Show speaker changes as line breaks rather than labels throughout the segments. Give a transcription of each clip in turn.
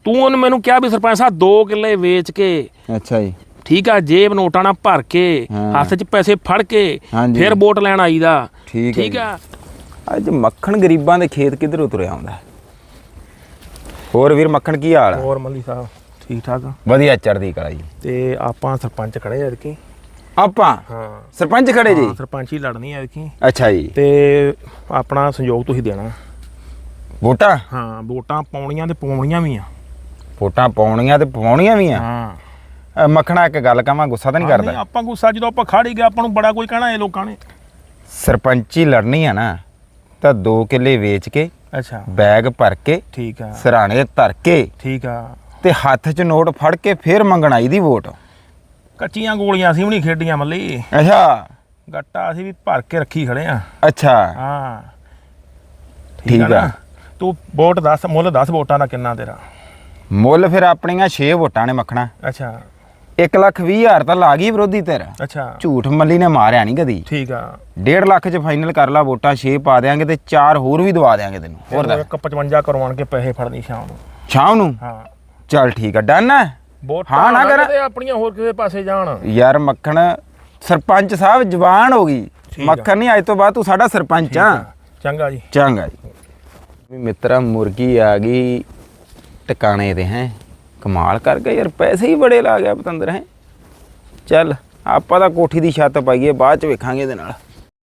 ਤੂੰ ਉਹਨੇ ਮੈਨੂੰ ਕਿਹਾ ਵੀ ਸਰਪੰਚ ਸਾਹਿਬ 2 ਕਿੱਲੇ ਵੇਚ ਕੇ
ਅੱਛਾ ਜੀ
ਠੀਕ ਆ ਜੇਬ ਨੋਟਾਂ ਨਾਲ ਭਰ ਕੇ ਹੱਥ 'ਚ ਪੈਸੇ ਫੜ ਕੇ ਫਿਰ ਵੋਟ ਲੈਣ ਆਈਦਾ ਠੀਕ ਆ।
ਅੱਜ ਮੱਖਣ ਗਰੀਬਾਂ ਦੇ ਖੇਤ ਕਿੱਧਰੋਂ ਤੁਰਿਆ ਆਉਂਦਾ। ਹੋਰ ਵੀਰ ਮੱਖਣ ਕੀ ਹਾਲ ਆ?
ਹੋਰ ਮੱਲੀ ਸਾਹਿਬ ਠੀਕ ਠਾਕ ਆ
ਵਧੀਆ ਚੜ੍ਹਦੀ ਕਲਾ ਜੀ।
ਤੇ ਆਪਾਂ ਸਰਪੰਚ ਖੜੇ ਆ ਕਿ
ਆਪਾਂ
ਹਾਂ
ਸਰਪੰਚ ਖੜੇ ਜੀ?
ਸਰਪੰਚ ਹੀ ਲੜਨੀ ਆ ਕਿ
ਅੱਛਾ ਜੀ।
ਤੇ ਆਪਣਾ ਸੰਯੋਗ ਤੁਸੀਂ ਦੇਣਾ
ਵੋਟਾਂ?
ਹਾਂ ਵੋਟਾਂ ਪਾਉਣੀਆਂ ਤੇ ਪਵਾਉਣੀਆਂ ਵੀ ਆ।
ਵੋਟਾਂ ਪਾਉਣੀਆਂ ਤੇ ਪਵਾਉਣੀਆਂ ਵੀ ਆ?
ਹਾਂ
ਮੱਖਣਾ ਇੱਕ ਗੱਲ ਕਹਾਂ, ਗੁੱਸਾ ਤਾਂ ਨਹੀਂ ਕਰਦਾ?
ਆਪਾਂ ਗੁੱਸਾ ਜਦੋਂ ਆਪਾਂ ਖੜ ਹੀ ਗਏ ਆਪਾਂ ਨੂੰ ਬੜਾ ਕੋਈ ਕਹਿਣਾ ਇਹ ਲੋਕਾਂ ਨੇ।
ਸਰਪੰਚੀ ਲੜਨੀ ਆ ਨਾ ਤਾਂ 2 ਕਿੱਲੇ ਵੇਚ ਕੇ
ਅੱਛਾ
ਬੈਗ ਭਰ ਕੇ
ਠੀਕ ਆ
ਸਰਾਣੇ ਧਰ ਕੇ
ਠੀਕ ਆ
ਤੇ ਹੱਥ 'ਚ ਨੋਟ ਫੜ ਕੇ ਫਿਰ ਮੰਗਣ ਆਈ ਦੀ ਵੋਟ।
ਕੱਚੀਆਂ ਗੋਲੀਆਂ ਅਸੀਂ ਵੀ ਨਹੀਂ ਖੇਡੀਆਂ ਮੱਲੀ।
ਅੱਛਾ
ਗੱਟਾ ਅਸੀਂ ਵੀ ਭਰ ਕੇ ਰੱਖੀ ਖੜੇ ਆ।
ਅੱਛਾ
ਹਾਂ
ਠੀਕ ਆ।
ਤੂੰ ਵੋਟ ਦੱਸ, ਮੁੱਲ ਦੱਸ ਵੋਟਾਂ ਦਾ ਕਿੰਨਾ ਤੇਰਾ?
ਮੁੱਲ ਫਿਰ ਆਪਣੀਆਂ 6 ਵੋਟਾਂ ਨੇ ਮੱਖਣਾ।
ਅੱਛਾ
1,20,000 ਤਾਂ ਲਾ ਗਈ ਵਿਰੋਧੀ ਧਿਰ।
ਅੱਛਾ
ਝੂਠ ਮੱਲੀ ਨੇ ਮਾਰਿਆ ਨਹੀਂ ਕਦੀ।
ਠੀਕ ਆ
1.5 ਲੱਖ 'ਚ ਫਾਈਨਲ ਕਰ ਲਾ ਵੋਟਾਂ। 6 ਪਾ ਦਿਆਂਗੇ ਤੇ 4 ਹੋਰ ਵੀ ਦਵਾ ਦਿਆਂਗੇ ਤੈਨੂੰ। ਹੋਰ ਦੱਸ।
1,55 ਕਰਵਾਉਣ ਕੇ ਪੈਸੇ ਫੜਨੀ ਸ਼ਾਮ ਨੂੰ।
ਸ਼ਾਮ ਨੂੰ?
ਹਾਂ
ਚੱਲ ਠੀਕ ਆ ਡਨ ਹੈ।
ਹਾਂ ਨਾ ਕਰ ਆਪਣੀਆਂ ਹੋਰ ਕਿਸੇ ਪਾਸੇ ਜਾਣ
ਯਾਰ। ਮੱਖਣ ਸਰਪੰਚ ਸਾਹਿਬ ਜਵਾਨ ਹੋ ਗਈ। ਮੱਖਣ ਨਹੀਂ ਅੱਜ ਤੋਂ ਬਾਅਦ ਤੂੰ ਸਾਡਾ ਸਰਪੰਚ ਆ।
ਚੰਗਾ ਜੀ
ਚੰਗਾ ਜੀ। ਮਿੱਤਰਾ ਮੁਰਗੀ ਆ ਗਈ ਟਿਕਾਣੇ ਤੇ ਹੈ। ਕਮਾਲ ਕਰ ਗਿਆ ਯਾਰ, ਪੈਸੇ ਹੀ ਬੜੇ ਲਾ ਗਿਆ ਪਤੰਦਰ ਹੈ। ਚੱਲ ਆਪਾਂ ਤਾਂ ਕੋਠੀ ਦੀ ਛੱਤ ਪਾਈਏ, ਬਾਅਦ ਚ ਵੇਖਾਂਗੇ ਇਹਦੇ ਨਾਲ।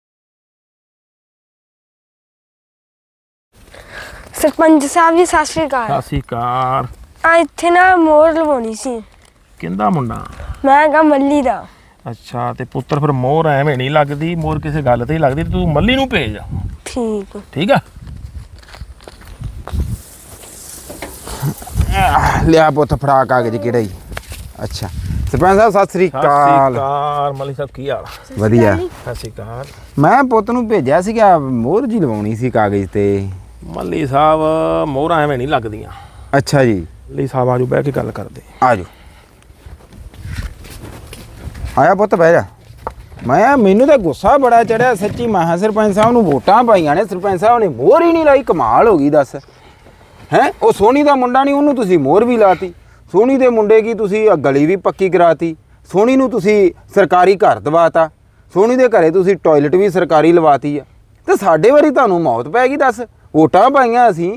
ਸਰਪੰਚ ਸਾਹਿਬ ਜੀ ਸਤਿ ਸ਼੍ਰੀ ਅਕਾਲ।
ਸਤਿ ਸ਼੍ਰੀ ਅਕਾਲ।
ਆ ਇੱਥੇ ਨਾ ਮੋਹਰ ਲਵਾਉਣੀ ਸੀ।
ਕਿੰਦਾ ਮੁੰਡਾ?
ਮੈਂ ਕਹਾ ਮੱਲੀ ਦਾ।
ਅੱਛਾ ਤੇ ਪੁੱਤਰ ਫਿਰ ਮੋਹਰ ਐਵੇਂ ਨਹੀਂ ਲੱਗਦੀ, ਮੋਹਰ ਕਿਸੇ ਗੱਲ ਤੇ ਹੀ ਲੱਗਦੀ। ਤੂੰ ਮੱਲੀ ਨੂੰ ਭੇਜ।
ਠੀਕ
ਠੀਕ ਆ।
ਲਿਆ ਪੁੱਤ ਫੜਾ ਕਾਗਜ਼ ਕਿਹੜਾ ਹੀ। ਅੱਛਾ ਸਰਪੰਚ ਸਾਹਿਬ ਸਤਿ ਸ੍ਰੀ ਅਕਾਲ।
ਮੱਲੀ ਸਾਹਿਬ ਕੀ ਹਾਲ?
ਵਧੀਆ।
ਸਤਿ ਸ਼੍ਰੀ ਅਕਾਲ।
ਮੈਂ ਪੁੱਤ ਨੂੰ ਭੇਜਿਆ ਸੀਗਾ, ਮੋਹਰ ਜੀ ਲਵਾਉਣੀ ਸੀ ਕਾਗਜ਼ ਤੇ।
ਮੱਲੀ ਸਾਹਿਬ ਮੋਹਰਾਂ ਐਵੇਂ ਨਹੀਂ ਲੱਗਦੀਆਂ।
ਅੱਛਾ ਜੀ।
ਮੱਲੀ ਸਾਹਿਬ ਆਜੋ ਬਹਿ ਕੇ ਗੱਲ ਕਰਦੇ।
ਆਜੋ ਆਇਆ ਪੁੱਤ ਬਹਿ ਜਾ। ਮੈਨੂੰ ਤਾਂ ਗੁੱਸਾ ਬੜਾ ਚੜਿਆ ਸੱਚੀ। ਮਹਾ ਸਰਪੰਚ ਸਾਹਿਬ ਨੂੰ ਵੋਟਾਂ ਪਾਈਆਂ ਨੇ, ਸਰਪੰਚ ਸਾਹਿਬ ਨੇ ਮੋਹਰ ਹੀ ਨਹੀਂ ਲਾਈ। ਕਮਾਲ ਹੋ ਗਈ ਦੱਸ ਹੈ। ਉਹ ਸੋਨੀ ਦਾ ਮੁੰਡਾ ਨਹੀਂ, ਉਹਨੂੰ ਤੁਸੀਂ ਮੋਹਰ ਵੀ ਲਾਤੀ। ਸੋਨੀ ਦੇ ਮੁੰਡੇ ਕੀ ਤੁਸੀਂ ਗਲੀ ਵੀ ਪੱਕੀ ਕਰਾਤੀ। ਸੋਨੀ ਨੂੰ ਤੁਸੀਂ ਸਰਕਾਰੀ ਘਰ ਦਵਾਤਾ। ਸੋਨੀ ਦੇ ਘਰੇ ਤੁਸੀਂ ਟਾਇਲਟ ਵੀ ਸਰਕਾਰੀ ਲਵਾਤੀ ਆ। ਤੇ ਸਾਡੇ ਵਾਰੀ ਤੁਹਾਨੂੰ ਮੌਤ ਪੈ ਗਈ ਦੱਸ। ਵੋਟਾਂ ਪਾਈਆਂ ਅਸੀਂ।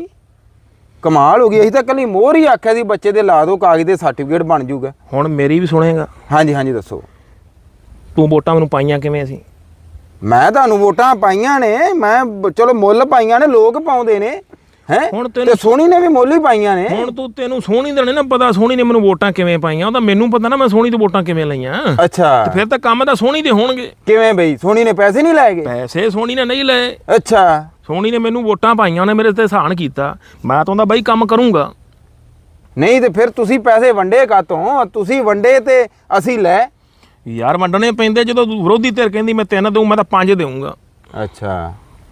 ਕਮਾਲ ਹੋ ਗਈ। ਅਸੀਂ ਤਾਂ ਕੱਲੀ ਮੋਹਰ ਹੀ ਆਖਿਆ ਸੀ ਬੱਚੇ ਦੇ ਲਾ ਦਿਓ ਕਾਗਜ਼ ਦੇ, ਸਰਟੀਫਿਕੇਟ ਬਣ ਜਾਊਗਾ।
ਹੁਣ ਮੇਰੀ ਵੀ ਸੁਣੇਗਾ? ਹਾਂਜੀ
ਹਾਂਜੀ ਦੱਸੋ।
ਤੂੰ ਵੋਟਾਂ ਮੈਨੂੰ ਪਾਈਆਂ ਕਿਵੇਂ? ਅਸੀਂ
ਮੈਂ ਤੁਹਾਨੂੰ ਵੋਟਾਂ ਪਾਈਆਂ ਨੇ। ਮੈਂ ਚਲੋ ਮੁੱਲ ਪਾਈਆਂ ਨੇ, ਲੋਕ ਪਾਉਂਦੇ ਨੇ ਹੈ। ਹੁਣ ਤੇ ਸੋਨੀ ਨੇ ਵੀ ਮੁੱਲ ਹੀ ਪਾਈਆਂ ਨੇ।
ਹੁਣ ਤੈਨੂੰ ਸੋਨੀ ਦਾ ਨਹੀਂ ਨਾ ਪਤਾ ਸੋਨੀ ਨੇ ਮੈਨੂੰ ਵੋਟਾਂ ਕਿਵੇਂ ਪਾਈਆਂ। ਉਹ ਤਾਂ ਮੈਨੂੰ ਪਤਾ ਨਾ ਮੈਂ ਸੋਨੀ ਤੋਂ ਵੋਟਾਂ ਕਿਵੇਂ ਲਈਆਂ।
ਅੱਛਾ
ਤੇ ਫਿਰ ਤਾਂ ਕੰਮ ਤਾਂ ਸੋਨੀ ਦੇ ਹੋਣਗੇ।
ਕਿਵੇਂ ਬਈ? ਸੋਨੀ ਨੇ ਪੈਸੇ ਨਹੀਂ ਲਾਏ?
ਪੈਸੇ ਸੋਨੀ ਨੇ ਨਹੀਂ ਲਏ।
ਅੱਛਾ
ਸੋਨੀ ਨੇ ਮੈਨੂੰ ਵੋਟਾਂ ਪਾਈਆਂ, ਉਹਨੇ ਮੇਰੇ ਤੇ ਇਹਸਾਨ ਕੀਤਾ। ਮੈਂ ਤਾਂ ਉਹਦਾ ਬਾਈ ਕੰਮ ਕਰੂੰਗਾ।
ਨਹੀਂ ਤੇ ਫਿਰ ਤੁਸੀਂ ਪੈਸੇ ਵੰਡੇ ਕਾਤੋਂ? ਤੁਸੀਂ ਵੰਡੇ ਤੇ ਅਸੀਂ ਲੈ।
ਯਾਰ ਵੰਡਣੇ ਪੈਂਦੇ। ਜਦੋਂ ਵਿਰੋਧੀ ਧਿਰ ਕਹਿੰਦੀ ਮੈਂ 3 ਦਊਂ, ਮੈਂ ਤਾਂ 5 ਦੇਊਂਗਾ।
ਅੱਛਾ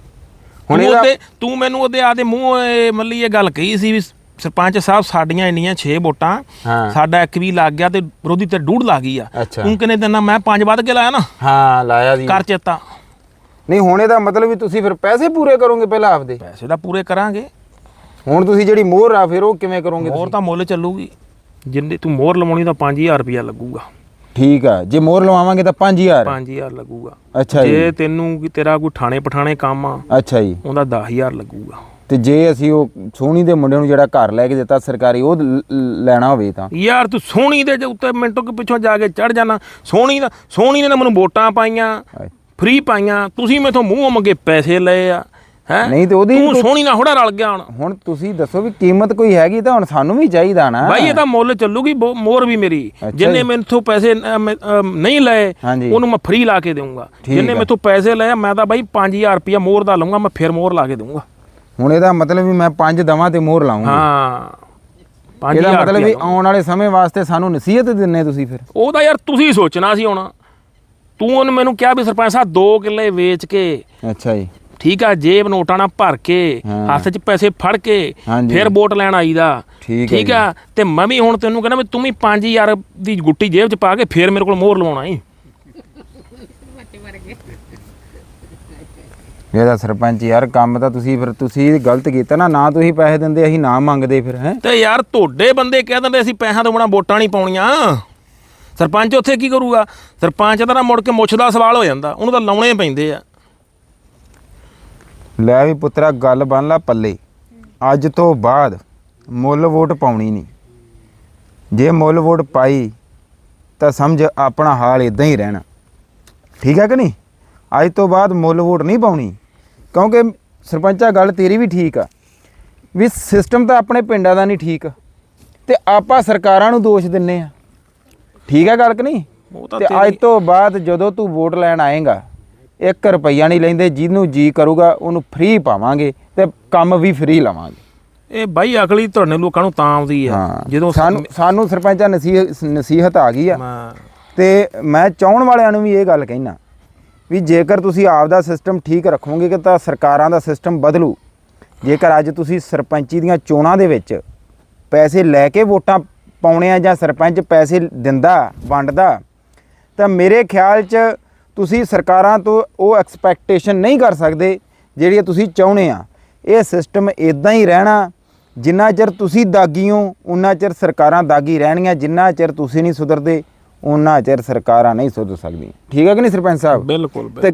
ਹੁਣ ਤੂੰ ਮੈਨੂੰ ਉਹਦੇ ਆਦੇ ਮੂੰਹ ਮੱਲੀ ਇਹ ਗੱਲ ਕਹੀ ਸੀ ਵੀ ਸਰਪੰਚ ਸਾਹਿਬ ਸਾਡੀਆਂ ਇੰਨੀਆਂ 6 ਵੋਟਾਂ, ਸਾਡਾ 1 ਵੀ ਲੱਗ ਗਿਆ ਤੇ ਵਿਰੋਧੀ ਧਿਰ 2.5 ਲੱਗ ਗਈ ਆ। ਤੂੰ ਕਿੰਨੇ ਦਿਨਾਂ? ਮੈਂ 5 ਵੱਧ ਕੇ ਲਾਇਆ ਨਾ।
ਹਾਂ ਲਾਇਆ ਜੀ।
ਕਰ ਚੇਤਾ।
ਨਹੀਂ ਹੁਣ ਇਹਦਾ ਮਤਲਬ ਵੀ ਤੁਸੀਂ ਫਿਰ ਪੈਸੇ ਪੂਰੇ ਕਰੋਗੇ ਪਹਿਲਾਂ ਆਪਦੇ?
ਪੈਸੇ ਤਾਂ ਪੂਰੇ ਕਰਾਂਗੇ।
ਹੁਣ ਤੁਸੀਂ ਜਿਹੜੀ ਮੋਹਰ ਆ ਫਿਰ ਉਹ ਕਿਵੇਂ ਕਰੋਗੇ?
ਮੋਹਰ ਤਾਂ ਮੁੱਲ ਚੱਲੂਗੀ। ਜਿੰਨੇ ਤੂੰ ਮੋਹਰ ਲਵਾਉਣੀ ਤਾਂ 5000 ਰੁਪਇਆ ਲੱਗੂਗਾ।
ਠੀਕ ਆ। ਜੇ ਮੋਹਰ ਲਵਾਵਾਂਗੇ ਤਾਂ
5000 ਲੱਗੂਗਾ।
ਅੱਛਾ ਜੀ।
ਜੇ ਤੈਨੂੰ ਤੇਰਾ ਕੋਈ ਥਾਣੇ ਪਠਾਣੇ ਕੰਮ ਆ, ਅੱਛਾ ਜੀ, ਉਹਦਾ 10000 ਲੱਗੂਗਾ।
ਤੇ ਜੇ ਅਸੀਂ ਉਹ ਸੋਹਣੀ ਦੇ ਮੁੰਡੇ ਨੂੰ ਜਿਹੜਾ ਘਰ ਲੈ ਕੇ ਦਿੱਤਾ ਸਰਕਾਰੀ, ਉਹ ਲੈਣਾ ਹੋਵੇ ਤਾਂ? ਯਾਰ
ਤੂੰ ਸੋਹਣੀ ਦੇ ਉੱਤੇ ਮਿੰਟੋ ਕੇ ਪਿੱਛੋਂ ਜਾ ਕੇ ਚੜ ਜਾਣਾ। ਸੋਹਣੀ ਨੇ ਮੈਨੂੰ ਵੋਟਾਂ ਪਾਈਆਂ, ਫ੍ਰੀ ਪਾਈਆਂ। ਤੁਸੀਂ ਮੈਥੋਂ ਮੂੰਹ ਮੰਗੇ ਪੈਸੇ ਲਏ ਆ ਹੈ। ਨਹੀਂ ਤੇ ਉਹਦੀ ਤੂੰ ਸੋਹਣੀ ਨਾਲ ਥੋੜਾ ਰਲ ਗਿਆ। ਹੁਣ ਤੁਸੀਂ ਦੱਸੋ ਵੀ ਕੀਮਤ ਕੋਈ ਹੈਗੀ ਤਾਂ ਹੁਣ ਸਾਨੂੰ ਵੀ ਚਾਹੀਦਾ ਨਾ ਬਾਈ। ਇਹ ਤਾਂ ਮੁੱਲ ਚੱਲੂਗੀ ਮੋਹਰ ਵੀ ਮੇਰੀ। ਜਿੰਨੇ ਮੈਥੋਂ ਪੈਸੇ ਨਹੀਂ ਲਏ ਉਹਨੂੰ ਮੈਂ ਫ੍ਰੀ ਲਾ ਕੇ ਦੇਵਾਂਗਾ। ਜਿੰਨੇ ਮੈਥੋਂ ਪੈਸੇ ਲਏ ਮੈਂ ਤਾਂ ਬਾਈ 5000 ਰੁਪਇਆ ਮੋਹਰ ਦਾ ਲਊਂਗਾ। ਮੈਂ ਫਿਰ ਮੋਹਰ ਲਾ ਕੇ ਦੇਵਾਂਗਾ। ਹੁਣ ਇਹਦਾ ਮਤਲਬ ਵੀ ਮੈਂ 5 ਦਵਾਂ ਤੇ ਮੋਹਰ ਲਾਉਂਗਾ? ਹਾਂ। ਇਹਦਾ ਮਤਲਬ ਵੀ ਆਉਣ ਵਾਲੇ ਸਮੇਂ ਵਾਸਤੇ ਸਾਨੂੰ ਨਸੀਹਤ ਦਿੰਨੇ ਤੁਸੀਂ? ਫਿਰ ਉਹਦਾ ਯਾਰ ਤੁਸੀਂ ਸੋਚਣਾ ਸੀ। ਹੁਣ ਤੂੰ ਉਹਨੇ ਮੈਨੂੰ ਕਿਹਾ ਵੀ ਸਰਪੰਚ ਸਾਹਿਬ 2 ਕਿੱਲੇ ਵੇਚ ਕੇ ਅੱਛਾ ਜੀ ਠੀਕ ਆ ਜੇਬ ਨੋਟਾਂ ਨਾਲ ਭਰ ਕੇ ਹੱਥ 'ਚ ਪੈਸੇ ਫੜ ਕੇ ਫਿਰ ਵੋਟ ਲੈਣ ਆਈਦਾ ਠੀਕ ਆ। ਤੇ ਮੈਂ ਵੀ ਹੁਣ ਤੈਨੂੰ ਕਹਿੰਦਾ ਵੀ ਤੂੰ ਵੀ 5000 ਦੀ ਗੁੱਟੀ ਜੇਬ 'ਚ ਪਾ ਕੇ ਫਿਰ ਮੇਰੇ ਕੋਲ ਮੋਹਰ ਲਵਾਉਣਾ ਈ।
ਇਹਦਾ ਸਰਪੰਚ ਯਾਰ ਕੰਮ ਤਾਂ ਤੁਸੀਂ ਗਲਤ ਕੀਤਾ ਨਾ ਤੁਸੀਂ ਪੈਸੇ ਦਿੰਦੇ ਅਸੀਂ ਨਾ ਮੰਗਦੇ ਫਿਰ ਹੈ।
ਤੇ ਯਾਰ ਤੁਹਾਡੇ ਬੰਦੇ ਕਹਿ ਦਿੰਦੇ ਅਸੀਂ ਪੈਸਿਆਂ ਤੋਂ ਬਿਨਾਂ ਵੋਟਾਂ ਨਹੀਂ ਪਾਉਣੀਆਂ। ਸਰਪੰਚ ਉੱਥੇ ਕੀ ਕਰੂਗਾ? ਸਰਪੰਚ ਦਾ ਨਾ ਮੁੜ ਕੇ ਮੁੱਛ ਦਾ ਸਵਾਲ ਹੋ ਜਾਂਦਾ, ਉਹਨੂੰ ਤਾਂ ਲਾਉਣੇ ਪੈਂਦੇ ਆ।
ਲੈ ਵੀ ਪੁੱਤਰਾ ਗੱਲ ਬਣ ਲਾ ਪੱਲੇ, ਅੱਜ ਤੋਂ ਬਾਅਦ ਮੁੱਲ ਵੋਟ ਪਾਉਣੀ ਨਹੀਂ। ਜੇ ਮੁੱਲ ਵੋਟ ਪਾਈ ਤਾਂ ਸਮਝ ਆਪਣਾ ਹਾਲ ਇਦਾਂ ਹੀ ਰਹਿਣਾ, ਠੀਕ ਹੈ ਕਿ ਨਹੀਂ? ਅੱਜ ਤੋਂ ਬਾਅਦ ਮੁੱਲ ਵੋਟ ਨਹੀਂ ਪਾਉਣੀ, ਕਿਉਂਕਿ ਸਰਪੰਚਾ ਗੱਲ ਤੇਰੀ ਵੀ ਠੀਕ ਆ ਵੀ ਸਿਸਟਮ ਤਾਂ ਆਪਣੇ ਪਿੰਡਾਂ ਦਾ ਨਹੀਂ ਠੀਕ ਤੇ ਆਪਾਂ ਸਰਕਾਰਾਂ ਨੂੰ ਦੋਸ਼ ਦਿੰਨੇ ਆ, ਠੀਕ ਹੈ ਗੱਲ ਕਿ ਨਹੀਂ?
ਉਹ ਤਾਂ
ਤੇ ਅੱਜ ਤੋਂ ਬਾਅਦ ਜਦੋਂ ਤੂੰ ਵੋਟ ਲੈਣ ਆਏਗਾ 1 ਰੁਪਈਆ ਨਹੀਂ ਲੈਂਦੇ, ਜਿਹਨੂੰ ਜੀ ਕਰੂਗਾ ਉਹਨੂੰ ਫ੍ਰੀ ਪਾਵਾਂਗੇ ਤੇ ਕੰਮ ਵੀ ਫ੍ਰੀ ਲਵਾਂਗੇ।
ਇਹ ਬਾਈ ਅਕਲੀ ਤੁਹਾਡੇ ਲੋਕਾਂ ਨੂੰ ਤਾਂ ਆਉਂਦੀ ਆ ਜਦੋਂ
ਸਾਨੂੰ ਸਰਪੰਚਾਂ ਨਸੀਹਤ ਆ ਗਈ ਆ। ਤੇ ਮੈਂ ਚਾਹਣ ਵਾਲਿਆਂ ਨੂੰ ਵੀ ਇਹ ਗੱਲ ਕਹਿਣਾ ਵੀ ਜੇਕਰ ਤੁਸੀਂ ਆਪ ਦਾ ਸਿਸਟਮ ਠੀਕ ਰੱਖੋਗੇ ਕਿ ਤਾਂ ਸਰਕਾਰਾਂ ਦਾ ਸਿਸਟਮ ਬਦਲੂ। ਜੇਕਰ ਅੱਜ ਤੁਸੀਂ ਸਰਪੰਚੀ ਦੀਆਂ ਚੋਣਾਂ ਦੇ ਵਿੱਚ ਪੈਸੇ ਲੈ ਕੇ ਵੋਟਾਂ ਪਾਉਣੇ ਆ ਜਾਂ ਸਰਪੰਚ ਪੈਸੇ ਦਿੰਦਾ ਵੰਡਦਾ, ਤਾਂ ਮੇਰੇ ਖਿਆਲ 'ਚ ਤੁਸੀਂ ਸਰਕਾਰਾਂ ਤੋਂ ਉਹ ਐਕਸਪੈਕਟੇਸ਼ਨ ਨਹੀਂ ਕਰ ਸਕਦੇ ਜਿਹੜੀ ਤੁਸੀਂ ਚਾਹੁੰਦੇ ਆ। ਇਹ ਸਿਸਟਮ ਇਦਾਂ ਹੀ ਰਹਿਣਾ, ਜਿੰਨਾ ਚਿਰ ਤੁਸੀਂ ਦਾਗੀ ਹੋ ਉਨਾ ਚਿਰ ਸਰਕਾਰਾਂ ਦਾਗੀ ਰਹਿਣਗੀਆਂ, ਜਿੰਨਾ ਚਿਰ ਤੁਸੀਂ ਨਹੀਂ ਸੁਧਰਦੇ ਉਹਨਾਂ ਚਿਰ ਸਰਕਾਰਾਂ ਨਹੀਂ ਸੁਧਰ ਸਕਦੀਆਂ, ਠੀਕ ਹੈ ਕਿ ਨਹੀਂ ਸਰਪੰਚ ਸਾਹਿਬ?
ਬਿਲਕੁਲ।
ਤੇ